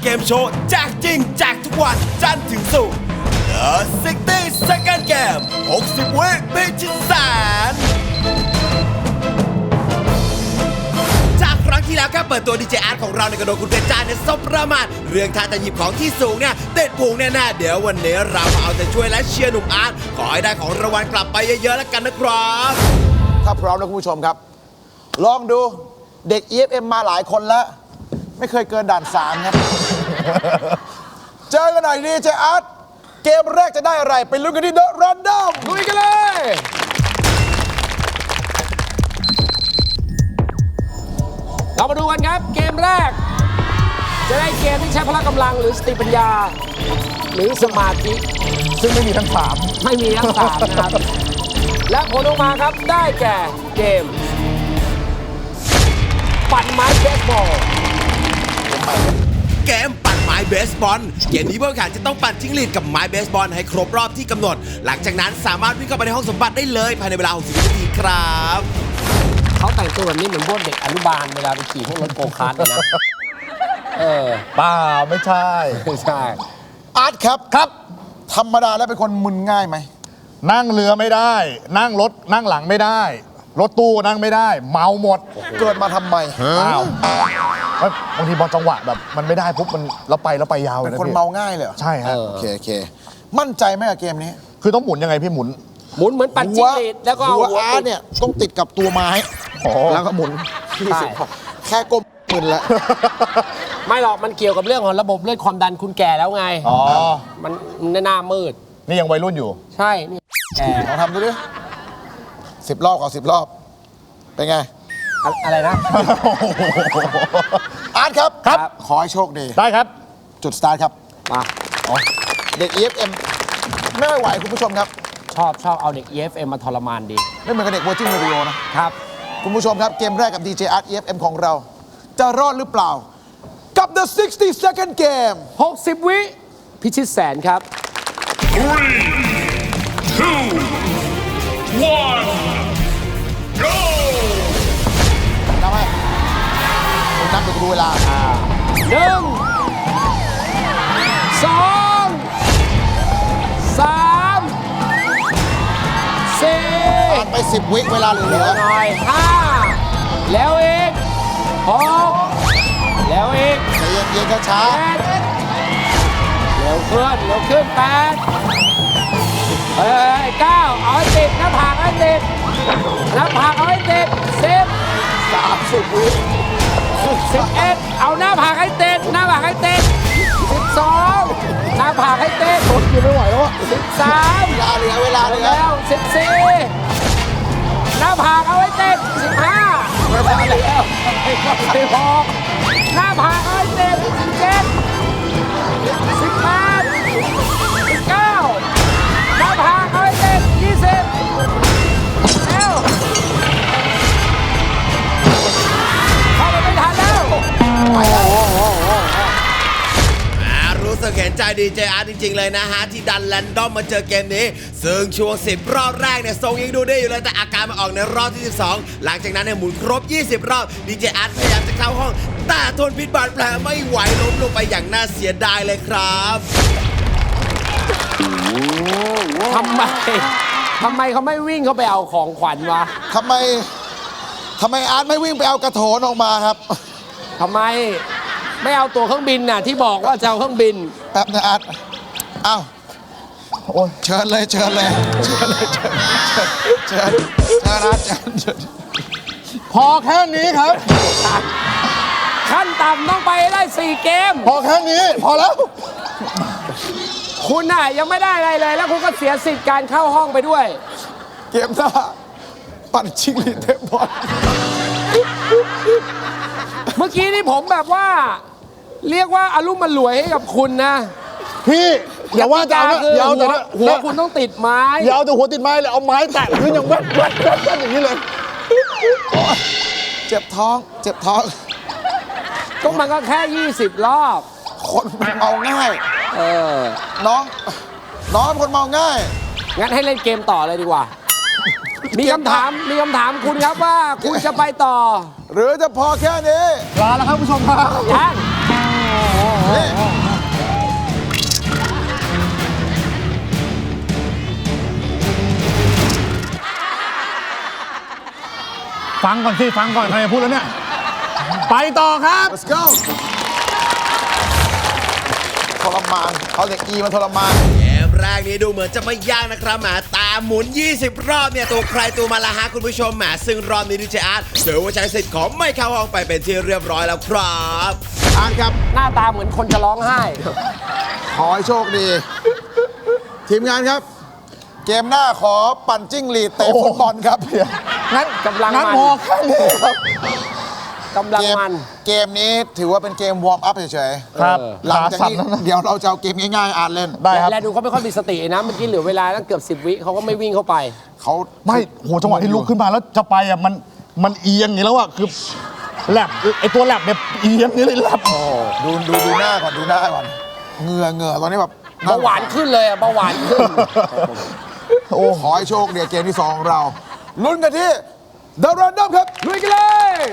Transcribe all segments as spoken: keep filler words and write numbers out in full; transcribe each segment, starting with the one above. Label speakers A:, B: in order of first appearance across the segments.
A: เกมโชว์แจกจริงแจกทุกวันจันทร์ถึงศุกร์ The ซิกตี้ Second Game หกสิบ วิพิชิตแสนจากครั้งที่แล้วแค่เปิดตัวดีเจอาร์ตของเราในกระโดดคุณเพชรจ้าเนี่ยสบประมาทเรื่องท่าจะหยิบของที่สูงเนี่ยเด็ดพุงแน่ๆเดี๋ยววันนี้เรามาเอาใจช่วยและเชียร์หนุ่มอาร์ตขอให้ได้ของรางวัลกลับไปเยอะๆแล้วกันนะครับ
B: ถ้าพร้อมแล้วคุณผู้ชมครับลองดูเด็ก อี เอฟ เอ็ม มาหลายคนแล้วไม่เคยเกินด่านสามครับ เจอกันหน่อยดีเจอาร์ตเกมแรกจะได้อะไรไปลุ้นกันที่ The Random ลุยกันเลย
C: เรามาดูกันครับเกมแรกจะได้เกมที่ใช้พละกำลังหรือสติปัญญาหรือสมาธิ
B: ซึ่งไม่มีทั้งสาม
C: ไม่มีทั้งสามนะครับและผลออกมาครับได้แก่เกมปั่นไม้เบสบอล
A: เกมปั่นไม้เบสบอลเกมนี้ผู้แข่งขันจะต้องปั่นจิ้งหรีดกับไม้เบสบอลให้ครบรอบที่กำหนดหลังจากนั้นสามารถวิ่งเข้าไปในห้องสมบัติได้เลยภายในเวลาหกสิบนาทีครับ
C: เขาแต่งตัวแบบนี้เหมือนพวกเด็กอนุบาลเวลาไปขี่พวกรถโกคาร์ทเลยนะเออ
B: เปล่าไม่ใช่
C: ไม่ใช่
B: อาร์ตครับครับธรรมดาแล้วเป็นคนมึนง่ายไหม
D: นั่งเรือไม่ได้นั่งรถนั่งหลังไม่ได้รถตู้นั่งไม่ได้เมาหมด
B: เกิดมาทำไม
D: อ้าวบางทีบอลจังหวะแบบมันไม่ได้ปุ๊บมันเราไปเราไปยาวเลย
B: เป็นคนเมาง่ายเลย
D: ใช่ฮะ
B: โอเคโอเคมั่นใจไหมกับเกมนี้
D: คือต้องหมุนยังไงพี่หมุน
C: หมุนเหมือนปั่นจิ้งหรีดแล้วก็
B: หัวอาร์ตเนี่ยต้องติดกับตัวไม้แล้วก็หมุนแค่ก้มมึนละ
C: ไม่หรอกมันเกี่ยวกับเรื่องของระบบเลือดความดันคุณแก่แล้วไง
D: อ๋อ
C: มันหน้ามืด
D: นี่ยังวัยรุ่นอยู่
C: ใช่นี่
B: แก่ลองทำดูดิสิบรอบขอสิบรอบเป็นไง
C: อะไรนะ
B: อาร์ตครับ
D: ครับ
B: ขอให้โชคดี
D: ได้ครับ
B: จุดสตาร์ทครับ
C: มา
B: เด็ก อี เอฟ เอ็ม ไม่ไหวคุณผู้ชมครับ
C: ชอบชอบเอาเด็ก อี เอฟ เอ็ม มาทรมานดี
B: ไม่เหมือนกับเด็ก Virgin Radio นะครับคุณผู้ชมครับเกมแรกกับ ดี เจ อาร์ต อี เอฟ เอ็ม ของเราจะรอดหรือเปล่ากับ The ซิกตี้ Second Game
C: หกสิบ วิพิชิตแสนครับ
E: three two one go
B: นับให้ผมนับเดี๋ยวดูเวลา
C: หนึ่งสองสามสี่
B: ผ่านไปสิบวิเวลาเหลือห
C: น่อยห้าแล้วอีกหกแล้วอีก
B: ใจเย็นๆช้า
C: เร็วขึ้นเร็วขึ้นแปดเฮ้ยเก้าเอาให้ติดหน้าผากให้ติดหน้าผากเอาให้ติดสิบ
B: สามสิบวิ
C: สิบเอ็ดเอาหน้าผากให้ติดหน้าผากให้ติดสิบสองหน้าผากให้ติด
B: ทนอยู่ไม่ไหวแล้ว
C: สิบสาม
B: เวลาเหลือเวลาเหลือ
C: แล้วสิบสี่หน้าผากเอาให้ติดสิบห้าเวลาเหลือสิบหกหน้าผากเอาให้ติดสิบเจ็ดสิบแปดสิบเก้าหน้าผากเอาให้ติดยี่สิบแล้วเข้าไปไม่ทันแล้ว
A: รู้สึกเห็นใจดีเจอาร์ตจริงๆเลยนะฮะที่ดันแรนดอมมาเจอเกมนี้ซึ่งช่วงสิบรอบแรกเนี่ยทรงยังดูได้อยู่เลยแต่อาการมาออกในรอบที่สิบสองหลังจากนั้นเนี่ยหมุนครบยี่สิบรอบดีเจอาร์ตพยายามจะเข้าห้องแต่ทนพิษบาดแผลไม่ไหวล้มลงไปอย่างน่าเสียดายเลยครับ
C: ทำไมทำไมเขาไม่วิ่งเข้าไปเอาของขวัญวะ
B: ทำไมทำไมอาร์ตไม่วิ่งไปเอากระโถนออกมาครับ
C: ทำไมไม่เอาตัวเครื่องบินน่ะที่บอกว่าจะเอาเครื่องบิน
B: แป๊บนะอาร์ตอ้าวโอ้ยเชิญเลยเชิญเลยเชิญเลยเชิญเชิญเชิญอาร์ตเชิญ
D: พอแค่นี้ครับ
C: ขั้นต่ำต้องไปได้สี่เกม
D: พอแค่นี้พอแล้ว
C: คุณน่ะยังไม่ได้อะไรเลยแล้วคุณก็เสียสิทธิ์การเข้าห้องไปด้วย
B: เกมหน้าปั่นชิงลีเทปบอล
C: เมื่อกี้นี่ผมแบบว่าเรียกว่าอารมณ์มันรวยให้กับคุณนะ
D: พี่อย่าว่าจะ
C: อย่าเอาแต่หัวคุณต้องติดไม้
D: อย่าเอาแต่หัวติดไม้เลยเอาไม้แตะพื้นอย่างแว๊บแว๊บแว๊บอย่างนี้เลย
B: เจ็บท้องเจ็บท้อง
C: ก็มันก็แค่ยี่สิบรอบ
B: คนเมาง่าย
C: เออ
B: น้องน้องคนเมาง่าย
C: งั้นให้เล่นเกมต่อเลยดีกว่ามีคำถามมีคำถามคุณครับว่าคุณจะไปต่อ
B: หรือจะพอแค่นี้
D: ลาแล้วครับผู้ชมครับ
C: ยัง
B: นี่
D: ฟังก่อนสิ ฟังก่อน ใครจะพูดแล้วเนี่ย ไปต่อครับ
B: let's go ทรมานเอาเด็กอีมันทรมาน
A: เกมแรกนี้ดูเหมือนจะไม่ยากนะครับแหมตามหมุน ยี่สิบ รอบเนี่ยตัวใครตัวมาละฮะคุณผู้ชมแหมซึ่งรอบนี้ดีเจอาร์ตถือว่าใช้สิทธิ์ของไม่เข้าห้องไปเป็นที่เรียบร้อยแล้วครับ
B: อ่านครับ
C: หน้าตาเหมือนคนจะร้องไห้
B: ขอให้โชคดี ทีมงานครับ เกมหน้าขอปั่นจิ้งหรีดเตะฟุตบอลครับ
D: งั้น
C: กำลัง
D: งั้น
C: มัน
D: พอแค่นี้ครับ
C: กำลัง
B: เกม
C: มัน
B: เกมนี้ถือว่าเป็นเกมวอร์มอัพเฉย
D: ครับ
B: ๆหลังจากนี้
D: ขาสั่นแล้วนะ
B: เดี๋ยวเราจะเอาเกมง่ายๆอ่านเล่น
D: ได้ครับ
C: และดูเขาไม่ค่อยมีสตินะ เมื่อกี้เหลือเวลาตั้งเกือบสิบวิเขาก็ไม่วิ่งเข้าไป
B: เขา
D: ไม่โหจังหวะที่ลุกขึ้นมาแล้วจะไปอ่ะ มัน มันเอียงอย่างนี้แล้วอ่ะ คือแลบไอตัวแลบเนี่ยเอียงอย่างนี้เลยแลบ
B: ดูดูดูหน้าก่อนดูหน้าก่อนเหงื่อเหงื่อตอนนี้แบบ
C: เบาหวานขึ้นเลยอะเบาหวานขึ้น
B: โอ้ขอให้โชคดีเกมที่สองของเราลุ้นกันที่ The Random ครับ
C: ลุยกันเลย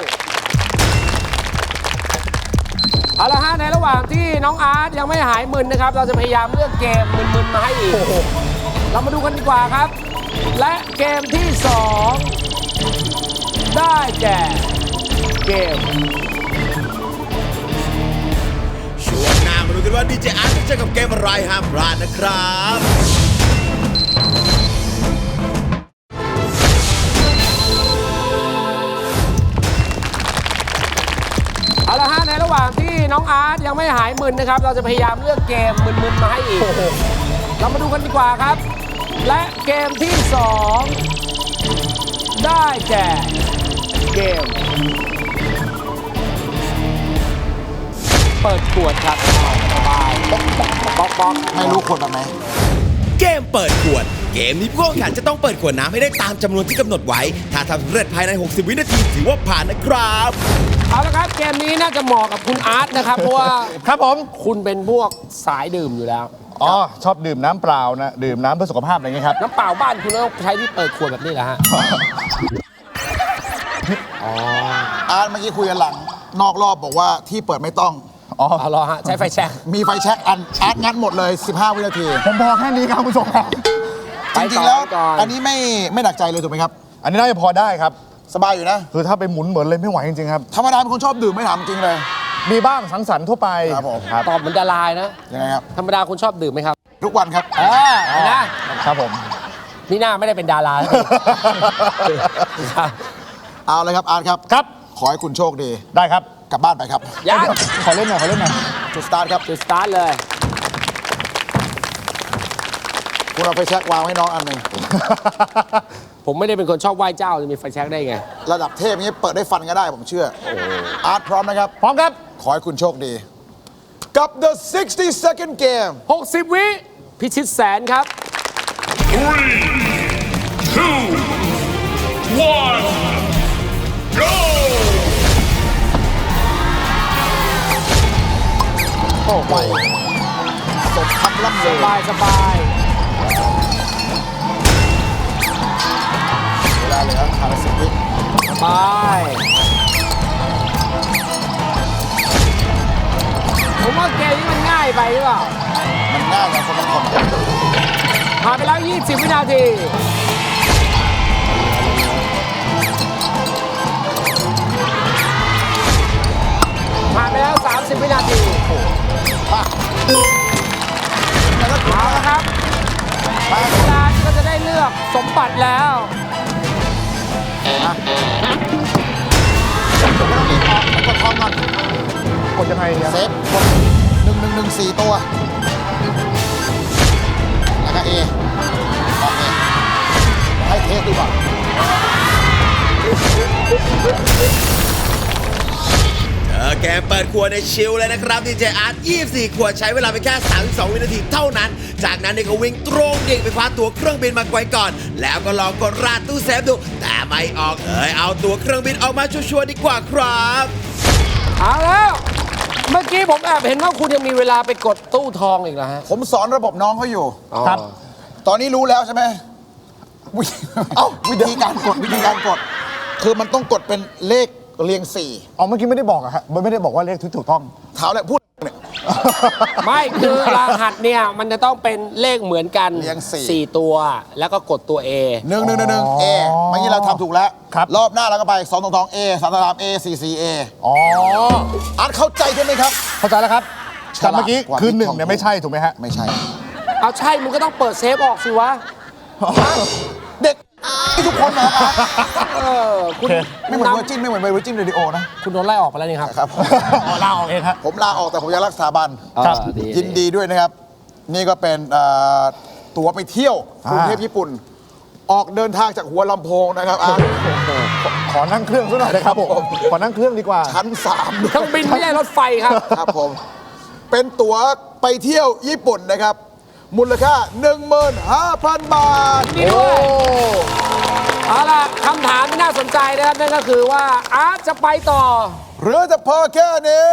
C: เอาละฮะในระหว่างที่น้องอาร์ตยังไม่หายมึนนะครับ เราจะพยายามเลือกเกมมึนๆมาให้อีก เรามาดูกันดีกว่าครับ และเกมที่สองได้แก่เกม
A: ช่วงหน้ามาดูกันว่าดีเจอาร์ตจะเจอกับเกมอะไรห้ามพลาดนะครับ
C: เอาละฮะในระหว่างที่น้องอาร์ตยังไม่หายมึนนะครับ เราจะพยายามเลือกเกมมึนๆมาให้อีก เรามาดูกันดีกว่าครับ และเกมที่สองได้แก่เกม เปิดขวดครับสบายป๊อกป๊อกป๊อกป๊อก
B: ไม่รู้คนแบบไหน
A: เกมเปิดขวด เกมนี้ผู้แข่งขันจะต้องเปิดขวดน้ำให้ได้ตามจำนวนที่กำหนดไว้ ถ้าทำสำเร็จภายใน หกสิบ วินาทีถือว่าผ่านนะครับ
C: เอาละครับเกมนี้น่าจะเหมาะกับคุณอาร์ตนะครับ เพราะว่า
D: ครับผม
C: คุณเป็นพวกสายดื่มอยู่แล้ว
D: อ๋อ ชอบดื่มน้ำเปล่านะ ดื่มน้ำเพื่อสุขภาพอะไรอย่างเงี้ยครับ
C: น้ำเปล่าบ้านคุณต้องใช้ที่เปิดขวดแบบนี้แหละฮะ
B: อาร์ตเมื่อกี้คุยกันหลัง นอกรอบบอกว่าที่เปิดไม่ต้อง
D: อ๋อ
C: เอารอฮะใช้ไฟแช็ก
B: มีไฟแช็กอันอาร์ตงัดหมดเลย สิบห้า วินาที
D: ผมพอแค่นี้ครับคุณผู้ชมครับ
C: ไป
B: จ
C: ต่
B: ริ
C: อง
B: ๆแล้ว
C: ไปก่อน
B: อันนี้ไม่ไม่หนักใจเลยถูกไหมครับ
D: อันนี้น่าจะพอได้ครับ
B: สบายอยู่นะ
D: คือถ้าไปหมุนเหมือนเลยไม่ไหวจริงๆครับ
B: ธรรมดาเป็นคนชอบดื่มไม่ถามจริงเลย
D: มีบ้างสังสรรค์ทั่วไป
B: ครับผม
D: ครับ
C: ตอบเหมือนดารานะ
B: ยังไงครับ
C: ธรรมดาคุณชอบดื่มไหมครับ
B: ทุกวันครับ
C: เออนะ
D: ครับผม
C: นี่หน้าไม่ได้เป็นดารา
B: เอาเลยครับอาร์ตครับ
D: ครับ
B: ขอให้คุณโชคดี
D: ได้ครับ
B: กลับบ้านไปครับ
C: ยัง
D: ขอเล่นหน่อยขอเล่นหน่อย
B: จุดสตาร์ทครับ
C: จุดสตาร์ทเลย
B: คุณเอาไฟแช็กวางให้น้องอันหนึ่ง
C: ผมไม่ได้เป็นคนชอบไหว้เจ้าจะมีไฟแช็กได้ไง
B: ระดับเทพนี้เปิดได้ฟันก็ได้ผมเชื่อ อาร์ตพร้อมนะครับ
D: พร้อมครับ
B: ขอให้คุณโชคดี กับ the sixty second game
C: หกสิบ วิพิชิตแสนครับ
E: Three, two, one, go!
B: โอ้ไปสมคำล่ำ
C: ส
B: ลือบ
C: ายสบาย
B: เวลาเหลือห้าสิบวิ
C: สบายผมว่าเกมนี้มันง่ายไปหรือเปล่า
B: มันง่ายนะคนบางคน
C: ผ่านไปแล้ว ยี่สิบ วินาที ผ่านไปแล้ว สามสิบ วินาทีเอาละครับเวลาก็จะได้เลือกสมบัติแล้ว
B: ไม่ต้องรีบออกไปกดทองก่อน
D: กดยังไงเนี่ย
B: เซฟกดหนึ่งหนึ่งหนึ่งสี่ตัว แล้วก็เอโอเคให้เทสดูก่อน
A: เออแกมเปิดขวดในชิลเลยนะครับดีเจอาร์ตยี่สิบสี่ขวดใช้เวลาไปแค่สามสิบสองวินาทีเท่านั้น จากนั้นเนี่ยก็วิ่งตรงดิ่งไปคว้าตั๋วเครื่องบินมาไว้ก่อน แล้วก็ลองกดราดตู้เซฟดู แต่ไม่ออกเอยเอาตั๋วเครื่องบินออกมาชัวร์ๆดีกว่าครับ
C: เอาแล้ว เมื่อกี้ผมแอบเห็นว่าคุณยังมีเวลาไปกดตู้ทองอีกแล้วฮะ
B: ผมสอนระบบน้องเขาอยู่
D: ครับ
B: ตอนนี้รู้แล้วใช่ไหมวิเอ้าวิธีการกดวิธีการกด คือมันต้องกดเป็นเลขเรียงสี่
D: อ๋อเมื่อกี้ไม่ได้บอกอะฮะไม่ได้บอกว่าเลขที่ถูกต้อง
B: เท้าแหละพูดเนี่ย
C: ไม่คือรหัสเนี่ยมันจะต้องเป็นเลขเหมือนกัน
B: เรียงสี่
C: สี่ตัวแล้วก็กดตัว A
B: หนึ่งหนึ่งหนึ่งหนึ่งเอเมื่อกี้เราทำถูกแล้ว
D: ครับ
B: รอบหน้าเราก็ไปสองทองทองเอสามสามเอสี่สี่เอ
D: อ๋อ
B: อาร์ตเข้าใจใช่ไหมครับ
D: เข้าใจแล้วครับแต่เมื่อกี้
B: ฉลาดกว่า
D: คือ
B: บิ๊ก
D: หนึ่ง
B: ทอม
D: เนี่ยไม่ใช่ถูกไหมฮะ
B: ไม่ใช่
C: เอาใช่มึงก็ต้องเปิดเซฟออกสิวะ
B: เด็กทุกคนนะอาร์ต
C: เออคุณ
B: ไม่เหมือนเวอร์จินไม่เหมือนเวอร์จินเรดิโอนะ
C: คุณโดนไล่ออกไปแล้วนี่ครับ
B: ครับ
D: อ๋อลาออกเองครับ
B: ผมลาออกแต่ผมยังรักสถาบัน
D: ครับ
C: เออดี
B: ยินดีด้วยนะครับ นี่ก็เป็นเอ่อตั๋วไปเที่ยวกรุงเทพญี่ปุ่น ออกเดินทางจากหัวลำโพงนะครับอาร์ต
D: ขอนั่งเครื่องซะหน่อยนะครับผมขอนั่งเครื่องดีกว่า
B: ชั้นสาม
C: เครื่องบินไม่ใช่รถไฟครับ
B: ครับผม เป็นตั๋วไปเที่ยวญี่ปุ่นนะครับ มูลค่า หนึ่งหมื่นห้าพัน บาท
C: นี่ด้วยเอาล่ะคำถามที่น่าสนใจนะครับนั่นก็คือว่าอาร์ตจะไปต่อ
B: หรือจะพอแค่นี้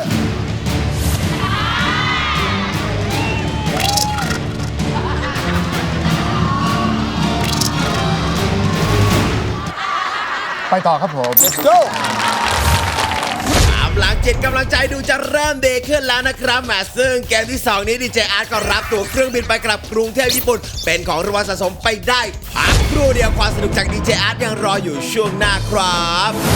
D: ไปต่อครับผม
B: let's go
A: กำลังจิตกำลังใจดูจะเริ่มดีขึ้นแล้วนะครับแหมซึ่งเกมที่ สอง นี้ดีเจอาร์ตก็รับตั๋วเครื่องบินไปกลับกรุงเทพญี่ปุ่น เป็นของรางวัลสะสมไปได้พักครู่เดียวความสนุกจากดีเจอาร์ตยังรออยู่ช่วงหน้าครับ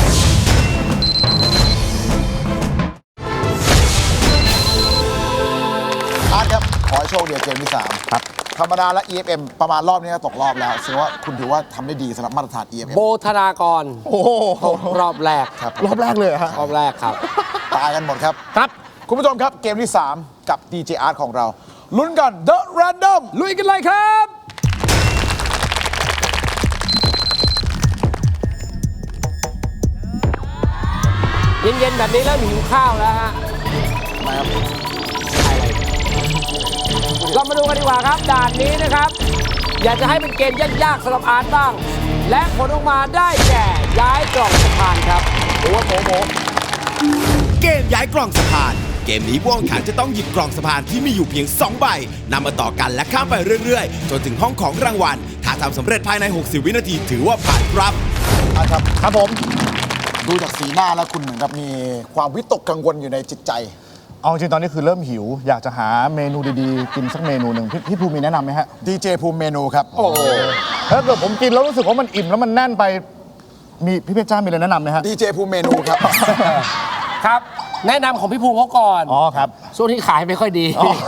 B: อาร์ตครับ ขอให้โชคดีเกมที่สามครับ ธรรมดาและ อี เอฟ เอ็ม ประมาณรอบนี้ก็ตกรอบแล้วแสดงว่าคุณถือว่าทำได้ดีสำหรับมาตรฐาน อี เอฟ เอ็ม
C: โบธนากร
D: โอ้โห
C: ตกรอบแรก
B: ครับ
D: รอบแรกเลยเหรอฮะ
C: รอบแรกครับ
B: ตายกันหมดครับ
D: ครับ
B: คุณผู้ชมครับเกมที่ สาม กับ ดี เจ อาร์ตของเรา ลุ้นกัน The Random
C: ลุยกันเลยครับ เย็นๆแบบนี้แล้วหิวข้าวแล้วฮะ
B: มาครับ
C: เรามาดูกันดีกว่าครับ ด่านนี้นะครับ อยากจะให้เป็นเกมยากๆสำหรับอาร์ตบ้าง และผลออกมาได้แก่ย้ายกล่องสะพานครับโอ้โหโหโห
A: เกมย้ายกล่องสะพาน เกมนี้ผู้แข่งขันจะต้องหยิบกล่องสะพานที่มีอยู่เพียงสองใบนำมาต่อกันและข้ามไปเรื่อยๆ จนถึงห้องของรางวัล ถ้าทำสำเร็จภายใน หกสิบ วินาทีถือว่าผ่านครับ
B: อาร์ตครับ
D: ครับผม
B: ดูจากสีหน้าแล้วคุณเหมือนกับมีความวิตกกังวลอยู่ในจิตใจ
D: เอาจริงๆตอนนี้คือเริ่มหิว อยากจะหาเมนูดีๆ กินสักเมนูหนึ่งพี่พี่ภูมิมีแนะนำไหมฮะ
B: ดีเจภูมิเมนูครับ
C: โอ้โห
D: ถ้าเกิดผมกินแล้วรู้สึกว่ามันอิ่มแล้วมันแน่นไป มีพี่เพชรจ้ามีอะไรแนะนำไหมฮะ
B: ดีเจภูมิเมนูครับ
C: ครับ แนะนำของพี่ภูมิเขาก่อน
D: อ๋อครับ
C: ช่วงที่ขายไม่ค่อยดี
D: อ๋อ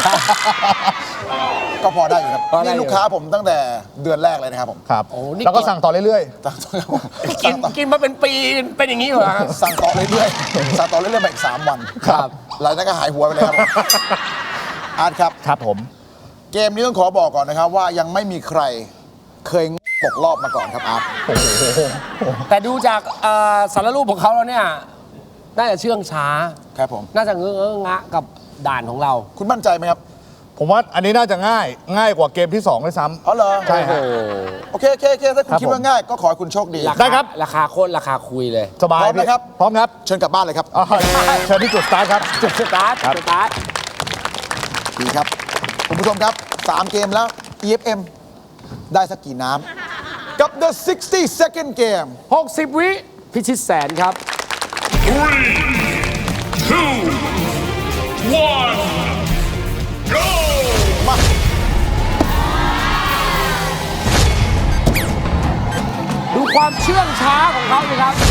B: ก็พอได้อยู่ครับ
C: พอได้อยู่
B: นี่ลูกค้าผมตั้งแต่เดือนแรกเลยนะครับผม
D: ครับ
C: โอ้นี่
D: แล้วก็สั่งต่อเรื่อย
B: สั่งต่อ
C: กินกินมาเป็นปีเป็นอย่างนี้เหรอฮะ
B: สั่งต่อเรื่อยๆสั่งต่อเรื่อยๆมาอีกสามวัน
C: ครับ
B: หลังจากนั้นก็หายหัวไปเลยครับผมอาร์ตครับ
D: ๆ ครับผม
B: เกมนี้ต้องขอบอกก่อนนะครับว่ายังไม่มีใครเคยตกรอบมาก่อนครับอาร์ต
C: แต่ดูจากเอ่อสารรูปของเขาแล้วเนี่ย น่าจะเชื่องช้า
B: ครับผม
C: น่าจะเงอะเงอะงะกับด่านของเรา
B: คุณมั่นใจไหมครับ
D: ผมว่าอันนี้น่าจะง่าย ง่ายกว่าเกมที่สองด้วยซ้ำ
B: อ๋อเหรอ
D: ใช่ฮะ
B: โอเคโอเคโอเคถ้าคุณ
D: ครับ
B: คิดว่าง่ายก็ขอให้คุณโชคดี
C: รา
D: ได้
C: คา
D: ครับ
C: ราคาโคตรราคาคุยเลย
D: สบาย
B: พร้อมไหมครับ
D: พร้อมครับ
B: เชิญกลับบ้านเลยครับ
D: อ๋อเชิญที่จุดสตาร์ทครับ
C: จุดสตาร์ท
D: ครับ
C: จุดสตาร์ท
B: ดีครับ คุณผู้ชมครับ สาม เกมแล้ว อี เอฟ เอ็ม ได้สักกี่น้ำกับ The 60 second game
C: หกสิบ วิพิชิตแสนครับ
E: Three, two, one, go!
B: มา
C: ดูความเชื่องช้าของเขาสิครับ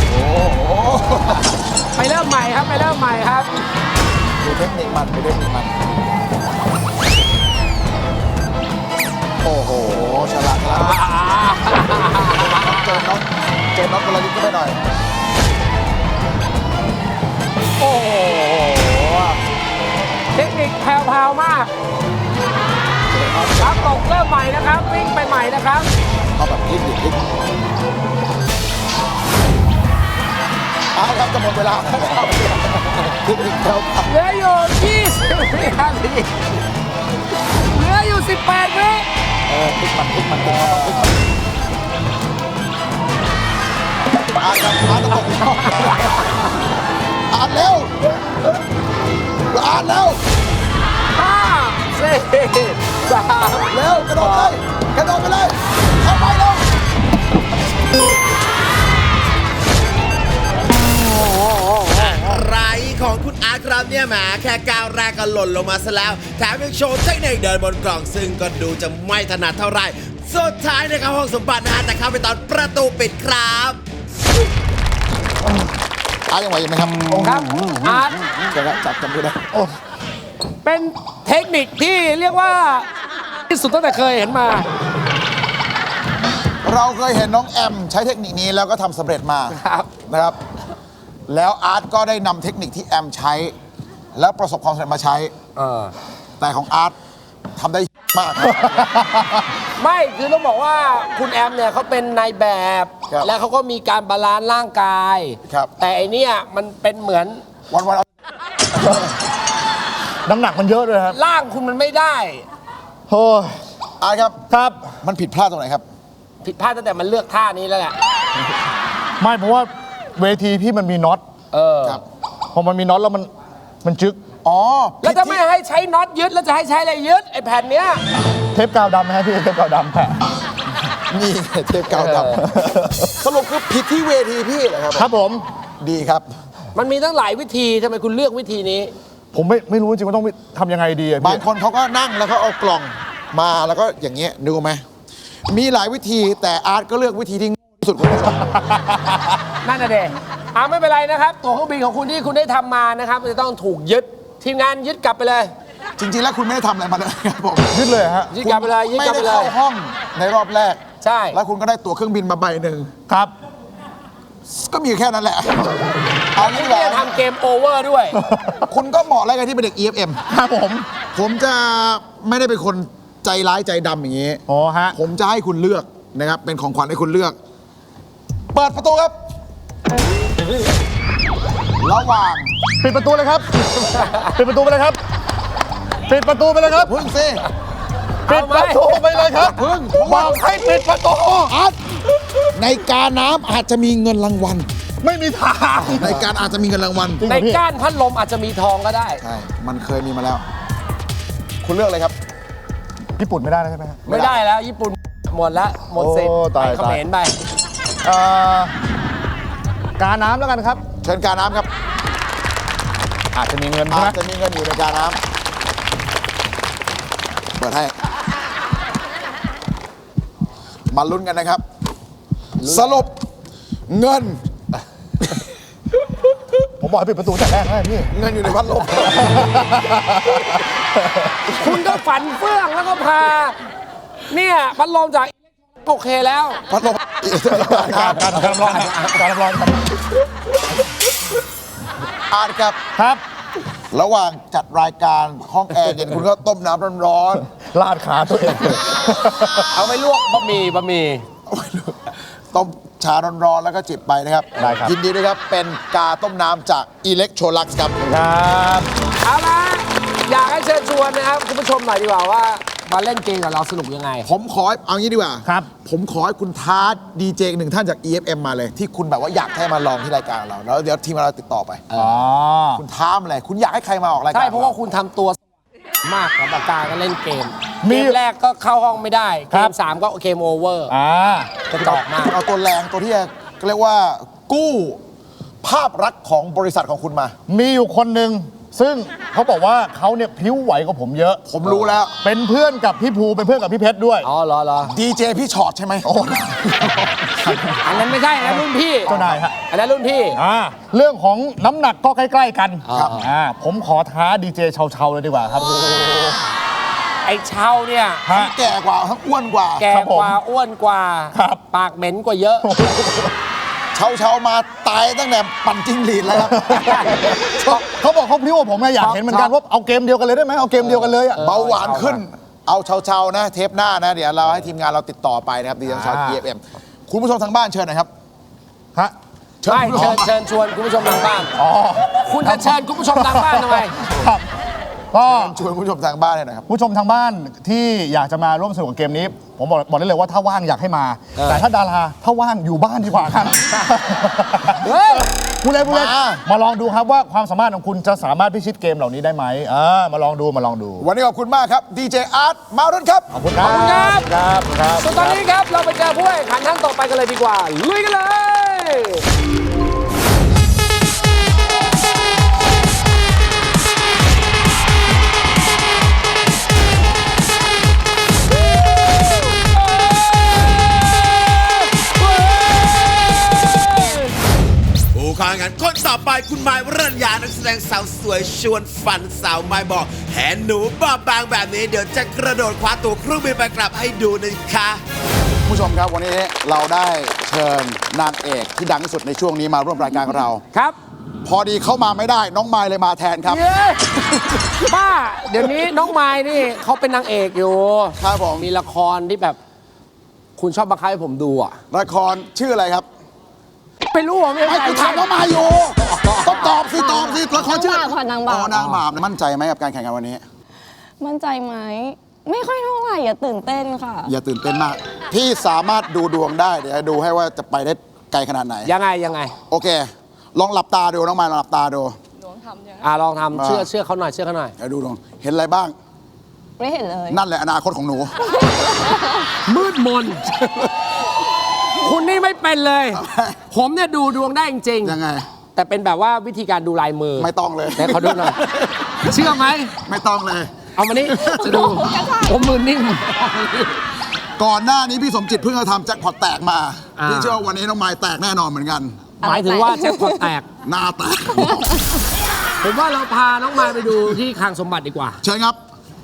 C: ไปเริ่มใหม่ครับ ไปเริ่มใหม่ครับ
B: ดูเทคนิคมันดูเทคนิคมัน โอ้โห ฉลาดฉลาดเจอน้องเจอน้องกระดิกก็ไม่หน่อย
C: โอ้โห เทคนิคแพรวๆมากครับตกเริ่มใหม่นะครับ วิ่งไปใหม่นะครับ
B: เอาแบบพลิกดิพลิกเอาครับจะหมดเวลาแล้วครับเทคนิคแล้วครับ
C: เหลืออยู่ยี่สิบวินาทีเหลืออยู่สิบแปดวิ
B: เออพลิกมันพลิกมันพลิกมันพลิกมันอ่านครับอ่านตะกกอ่านเร็วอ่านเร็ว
C: ห้าสี่สาม
B: เร็วกระโดดเลยกระโดดไปเลยเข้าไปเร็ว
A: อะไรของคุณอาร์ตครับแบบเนี้ยแหมแค่ก้าวแรกก็หล่นลงมาซะแล้วแถมยังโชว์เทคนิคเดินบนกล่องซึ่งก็ดูจะไม่ถนัดเท่าไหร่สุดท้ายนะครับห้องสมบัตินะฮะแต่เข้าไปตอนประตูปิดครับ
B: อาร์ตยังไหวอยู่ไหมครับ
C: ครับอาร์ต
B: เดี๋ยวนะจับจำไม่ได้
C: เป็นเทคนิคที่เรียกว่าที่สุดตั้งแต่เคยเห็นมา
B: เราเคยเห็นน้องแอมใช้เทคนิคนี้แล้วก็ทำสำเร็จมา
C: ครับ
B: นะครับ แล้วอาร์ตก็ได้นำเทคนิคที่แอมใช้ แล้วประสบความสำเร็จมาใช้
C: เออ
B: แต่ของอาร์ตทำได้มากครับ
C: ไม่คือต้องบอกว่าคุณแอมเนี่ยเขาเป็นนายแบบ
B: ครับ
C: แล้วเขาก็มีการบาลานซ์ร่างกาย
B: ครับ
C: แต่ไอเนี่ยมันเป็นเหมือน
B: วันวันๆเอา
D: น้ำหนักมันเยอะด้วยครับ
C: ร่างคุณมันไม่ได้
D: โอ้ย
B: อาร์ตครับ
D: ครับ
B: มันผิดพลาดตรงไหนครับ
C: ผิดพลาดตั้งแต่มันเลือกท่านี้แล้วแหละ
D: ไม่เพราะว่าเวทีพี่มันมีน็อต
C: เออ
B: ครับ
D: พอมันมีน็อตแล้วมันมันจึ๊ก
B: อ๋อ
C: แล้วจะไม่
B: ผิดที่
C: ให้ใช้น็อตยึดแล้วจะให้ใช้อะไรยึดไอแผ่นเนี้ย
D: เทปกาวดำไหมครับพี่เทปกาวดำแปะ
B: นี่ไงเทปกาวด
C: เออ
B: ำสรุปคือผิดที่เวทีพี่เหรอครับ
D: ครับผม
B: ดีครับ
C: มันมีตั้งหลายวิธีทำไมคุณเลือกวิธีนี้
D: ผมไม่ไม่รู้จริงว่าต้องทำยังไงดีอะ
B: บา
D: พี่
B: งคนเขาก็นั่งแล้วก็เอากล่องมาแล้วก็อย่างเงี้ยดูไหมมีหลายวิธีแต่อาร์ตก็เลือกวิธีที่ง่ที่สุดคนนี้
C: นั่นน่ะเด็อ่าไม่เป็นไรนะครับ ตัวเครื่องบินของคุณที่คุณได้ทำมานะครับจะต้องถูกยึดทีมงานยึดกลับไปเลย
B: จริงๆแล้วคุณไม่ได้ทำอะไรมาเลยครับผม
D: ยึดเลยฮะ
C: ยึดกลับไปเลยยึด
B: ไม่
C: กลับ
B: ได้
C: ไปเล
B: เข้าย ห้องในรอบแรก
C: ใช่
B: แล้วคุณก็ได้ตั๋วเครื่องบินมาใบหนึ่ง
D: ครับ
B: ก็มีแค่นั้นแหละเอางี้
C: คุณ
B: ดีก
C: จะ
B: ว่า
C: ทำเกมโอเวอร์ด้วย
B: คุณก็เหมาะแล้วกันที่เป็นเด็ก อี เอฟ เอ็ม
D: ครับผม
B: ผมจะไม่ได้เป็นคนใจร้ายใจดำอย่างนี้
D: อ๋อฮะ
B: ผมจะให้คุณเลือกนะครับ เป็นของขวัญให้คุณเลือก เปิดประตูครับ ระหว่าง
D: ปิดประตูเลยครับ ปิดประตูไปเลยครับ ปิดประตูไปเลยครับ
B: พึ่งซิ
D: ปิดประตูไปเลยครับ
B: พึ่ง
D: บอกให้ปิดประตู
B: อาร์ตในการน้ำอาจจะมีเงินรางวัล
D: ไม่มีทาง
B: ในการอาจจะมีเงินรางวัล
D: จริงเห
C: ใน
D: รอพี่
C: ก้านพัดลมอาจจะมีทองก็ได้
B: ใช่ มันเคยมีมาแล้ว คุณเลือกเลยครับ
D: ญี่ปุ่นไม่ได้แล้วใช่ไหมฮะ
C: ไม่ได้แล้วญี่ปุ่นหมดแล้วหมดสิทธิ์
D: โอ้ตาย
C: ไปเขมรไป
D: เอ่อการน้ำแล้วกันครับ
B: เชิญการน้ำครับ
D: อาจจะมีเงินใช่ไหม
B: อาจจะมีเงินอยู่ในการน้ำเปิดให้ มาลุ้นกันนะครับ สรุปเงิน
D: ผมบอกให้ปิดประตูแต่แรกแล้วพี่
B: เงินอยู่ในพัดลม
C: คุณก็ฝันเฟื่องแล้วก็พา เนี่ยพัดลมจากโอเคแล้ว
B: พัดลม
D: การการการรับรองการรับรองครับ
B: อาร์ตครับ
D: ครับ
B: ระหว่างจัดรายการห้องแอร์เย็นคุณก็ต้มน้ำร้อน
D: ลาดขาตัวเอง
C: เอาไปลวกบะหมี่บะหมี่
B: ๆ ต้มชาร้อนๆแล้วก็จิบไปนะครับ
D: ได้ครับ
B: ยินดีด้วยครับ เป็นกาต้มน้ำจากอิเล็กโทรลักซ์ครับ
D: ครับ
C: เอาละอยากให้เชิญชวนนะครับคุณผู้ชมหน่อยดีกว่าว่ามาเล่นเกมกับเราสนุกยังไง
B: ผมขอให้เอางี้ดีกว่า
D: ครับ
B: ผมขอให้คุณท้าดีเจหนึ่งท่านจาก อี เอฟ เอ็ม มาเลย ที่คุณแบบว่าอยากให้มาลองที่รายการเรา แล้วเดี๋ยวทีมเราติดต่อไป
D: อ๋อ
B: คุณท้ามาเลย คุณอยากให้ใครมาออกรายการ
C: ใช่เพราะว่าคุณทำตัวมากกับปากกาก็เล่นเกม
D: มี
C: เกมแรกก็เข้าห้องไม่ได้
D: ค
C: เก
D: รับ
C: มสามก็เกมโอเวอร์
D: อ่า
C: กระจอกมาก
B: คุณเอาตัวแรงตัวที่จะเรียกว่า กู้ภาพลักษณ์ของบริษัทของคุณมา
D: มีอยู่คนหนึ่งซึ่งเขาบอกว่าเขาเนี่ยพริ้วไหวกว่าผมเยอะ
B: ผมรู้แล้ว
D: เป็นเพื่อนกับพี่ภูเป็นเพื่อนกับพี่เพชรด้วย
C: อ๋อเหรอเหรอ
B: ดีเจพี่ชอตใช่ไหม
C: อันนั้นไม่ใช่อันนั้นรุ่นพี่
D: เจ้านายฮะ
C: อันนั้นรุ่นพี่
D: อ่าเรื่องของน้ำหนักก็ใกล้ ๆ กัน
C: ครับ
D: อ่าผมขอท้าดีเจเชาๆเลยดีกว่าครับ
C: ไอ้เช่าเนี่ย
D: ฮะ
B: แก่กว่าทั้งอ้วนกว่า
C: แก่
D: ครับผม
C: กว่าอ้วนกว่า
D: ครับ
C: ปากเหม็นกว่าเยอะ
B: เชาเชาๆมาตายตั้งแต่ปั่นจิ้งหรีดแล้วครับ
D: เขาบอกเขาพริ้วกว่าผมไงอยากเห็นเหมือนกันว่าเอาเกมเดียวกันเลยได้ไหมเอาเกมเดียวกันเลยอ่ะ
B: เบาหวานขึ้น เอาเชาเชาๆนะ เทปหน้านะ เดี๋ยวเราให้ทีมงานเราติดต่อไปนะครับดีเจชอต
D: อ่า
B: อี เอฟ เอ็ม คุณผู้ชมทางบ้านเชิญหน่อยครับ
D: ฮะ
B: เชิญ
C: ไม่
B: คุณผู้ช
C: เชิ
B: ม
C: ญเชิญชวนคุณผู้ชมทางบ้าน
D: อ๋อ
C: คุณจะเชิญคุณผู้ชมทางบ้านทำไม
D: ครับก็
B: ชวนคุณผู้ชมทางบ้านเลยนะครับ
D: ผู้ชมทางบ้านที่อยากจะมาร่วมสนุกกับเกมนี้ ผมบอกบอกได้เลยว่าถ้าว่างอยากให้มา
C: เออ
D: แต่ถ้าดาราถ้าว่างอยู่บ้านดีกว่าครับ
C: เฮ้ย
D: ผู้เล่นผู้เล่น
B: มา
D: มาลองดูครับว่าความสามารถของคุณจะสามารถพิชิตเกมเหล่านี้ได้ไหมอ่ามาลองดูมาลองดู
B: วันนี้ขอบคุณมากครับดีเจอาร์ตมารุ่นครับ
D: ขอบคุณครับ
C: ขอบคุณครับ
D: ครับครับ
C: ส่วนตอนนี้ครับ เราไปเจอผู้แข่งขันท่านต่อไปกันเลยดีกว่า ลุยกันเลย
A: างั้นคนต่อไปคุณไม้วรัญญานักแสดงสาวสวยชวนฝันสาวไม้บอกเห็นหนูบอบบางแบบนี้เดี๋ยวจะกระโดดคว้าตัวเครื่องบินไปกลับให้ดูนะคะ
B: ผู้ชมครับวันนี้เราได้เชิญนางเอกที่ดังที่สุดในช่วงนี้มาร่วมรายการกับเรา
C: ครับ
B: พอดีเข้ามาไม่ได้น้องไมล์เลยมาแทนครับ
C: เย้บ้า เดี๋ยวนี้น้องไม้นี่เขาเป็นนางเอกอยู่
B: ครับผม
C: มีละครที่แบบ คุณชอบบังคับให้ผมดูอ่ะ
B: ละครชื่ออะไรครับ
C: ไม่รู้อ่ะไม่
B: ไม่
C: ใช่
B: กูถามน้องไมล์อยู่ต้องตอบสิตอบสิละครชื่อ
F: นางบาปค่ะนางบาป
B: อ๋อนางบาปมั่นใจไหมกับการแข่งขันวันนี้
F: มั่นใจไหม ไม่ค่อยเท่าไหร่อย่าตื่นเต้นค่ะ
B: อย่าตื่นเต้นมากพี่สามารถดูดวงได้เดี๋ยวดูให้ว่าจะไปได้ไกลขนาดไหน
C: ยังไงยังไง
B: โอเค ลองหลับตาดูน้องไมล์ลองหลับตาดู
C: อ่าลองทำ
B: มา
C: เชื่อเชื่อเขาหน่อยเชื่อเขาหน่อย
B: เดี๋ยวดูดวงเห็นอะไรบ้าง
F: ไม่เห็นเลย
B: นั่นแหละอนาคตของหนู
C: มืดมน คุณนี่ไม่เป็นเลย ผมเนี่ยดูดวงได้จริงๆ
B: ยังไง
C: แต่เป็นแบบว่าวิธีการดูลายมือ
B: ไม่ต้องเลย
C: แต่เขาดูหน่อย เชื่อไหม
B: ไม่ต้องเลย
C: เอามานี่จะดูผมมือนิ่ง
B: ก่อนหน้านี้พี่สมจิตเพิ่งจะทำแจ็คพอตแตกมา
C: อ่า
B: พี่เชื่อว่าวันนี้น้องไมล์แตกแน่นอนเหมือนกัน
C: หมายถึงว่าแจ็คพอตแตก
B: หน้าแตก
C: ผมว่าเราพาน้องมายไปดูที่คลังสมบัติดีกว่า
B: เชิญครับ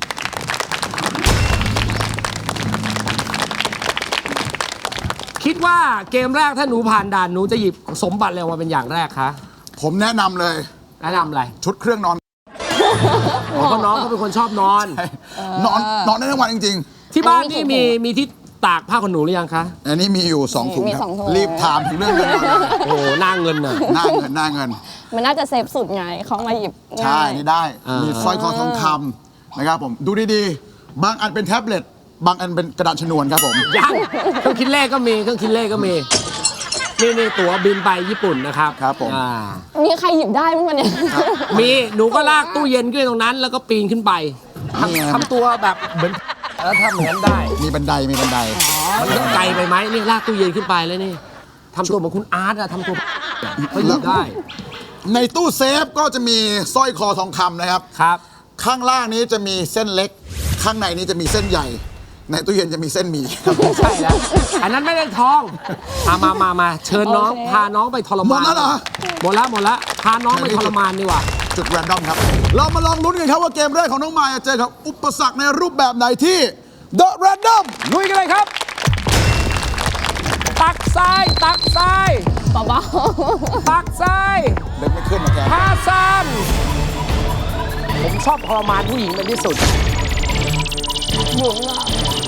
C: คิดว่าเกมแรกถ้าหนูผ่านด่านหนูจะหยิบสมบัติอะไรออกมาเป็นอย่างแรกคะ
B: ผมแนะนำเลย
C: แนะนำอะไร
B: ชุดเครื่องนอน
C: เพราะน้องเขาเป็นคนชอบนอน
B: นอนนอนได้ทั้งวันจริง
C: ที่บ้านนี่มีมีที่ตากผ้าขนหนูหรือยังคะ
B: ๆ อันนี้มีอยู่สองถุง
F: มี
B: ครับ
F: สองถุง
B: รีบถามถึงเรื่องเงินก่อนเลย
C: โอ้โหหน้าเงินน่ะ
B: หน้าเงินหน้าเงิน
F: มันน่าจะเซฟสุดไงเขามาหยิบ
B: ใช่
F: ง่าย
B: นี่ได้
C: อ่ามี
B: มีสร้อยคอทองคำนะครับผม ดูดีๆ บางอันเป็นแท็บเล็ต บางอันเป็นกระดาษชนวนครับผม
C: ยังเครื่องคิดเลขก็มีเครื่องคิดเลขก็มี นี่นี่ตั๋วบินไปญี่ปุ่นนะครับ
B: ครับผม
C: อ่า
F: มีใครหยิบได้มั้งวันเนี้ย
C: มีหนูก็ลากตู้เย็นขึ้นตรงนั้น แล้วก็ปีนขึ้นไปทำทำตัวแบบเหมือนแล้วทำเหมือนได้
B: มีบันไดมีบันได
C: มันไกลไปไหมนี่ลากตู้เย็นขึ้นไปแล้วนี่ทำตัวเหมือนคุณอาร์ตอะทำตัวก็อยู่ได้
B: ในตู้เซฟก็จะมีสร้อยคอทองคำนะครับ
C: ครับ
B: ข้างล่างนี้จะมีเส้นเล็ก ข้างในนี้จะมีเส้นใหญ่ ในตู้เย็นจะมีเส้นหมี่
C: ใช่แล้วอันนั้นไม่ได้ทองอามามามาเชิญน้อง
F: โอเค
C: พาน้องไปทรมาน
B: หมดแล้วเหรอ
C: หมดแล้วหมดแล้วพาน้องไปทรมานดีกว่า
B: จุดแรนดอมครับ เรามาลองลุ้นกันครับว่าเกมแรกของน้องมายจะเจอกับอุปสรรคในรูปแบบไหนที่ The Random
C: ลุยกันเลยครับ ตักทรายตักทราย
F: เบา
C: ตักทราย
B: เดินไม่ขึ้นนะแก
C: พาซันผมชอบทรมานผู้หญิงเป็นที่สุด
F: ๆหมุนอะ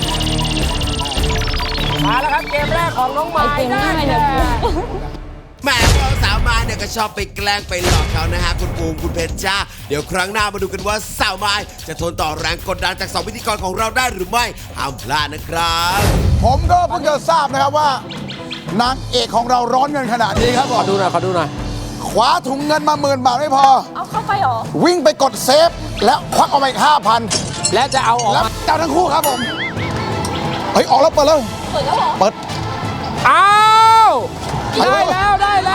C: มาแล้วครับเกมแรกของน้องไม้
F: ไอติม
C: ได้
F: ง่าย
C: แก่
F: เนี่ย
A: แหม่พวกสาวมายเนี่ยก็ชอบไปแกล้งไปหลอกเขานะฮะคุณปูมคุณเพชรจ้าเดี๋ยวครั้งหน้ามาดูกันว่าสาวมายจะทนต่อแรงกดดันจากสองพิธีกรของเราได้หรือไม่ห้ามพลาดนะครับ
B: ผมก็เพิ่งจะทราบนะครับว่านางเอกของเราร้อนเงินขนาดนี้ครับผ
C: ขอ
B: ม
C: ดูหน่อยขอดูหน่อย
B: คว้าถุงเงินมาหมื่นบาทไม่พอ
F: เอาเข้าไปเหรอ
B: วิ่งไปกดเซฟ แล้วควักออกมาอีกห้าพัน
C: และจะเอาออก
B: แล้ว
C: มา
B: เจ้าทั้งคู่ครับผม เฮ้ย ออกแล้วเปิดแล้ว
F: เปิดแล้วเหรอ
B: เปิด
C: อ้าวได้แล้วได้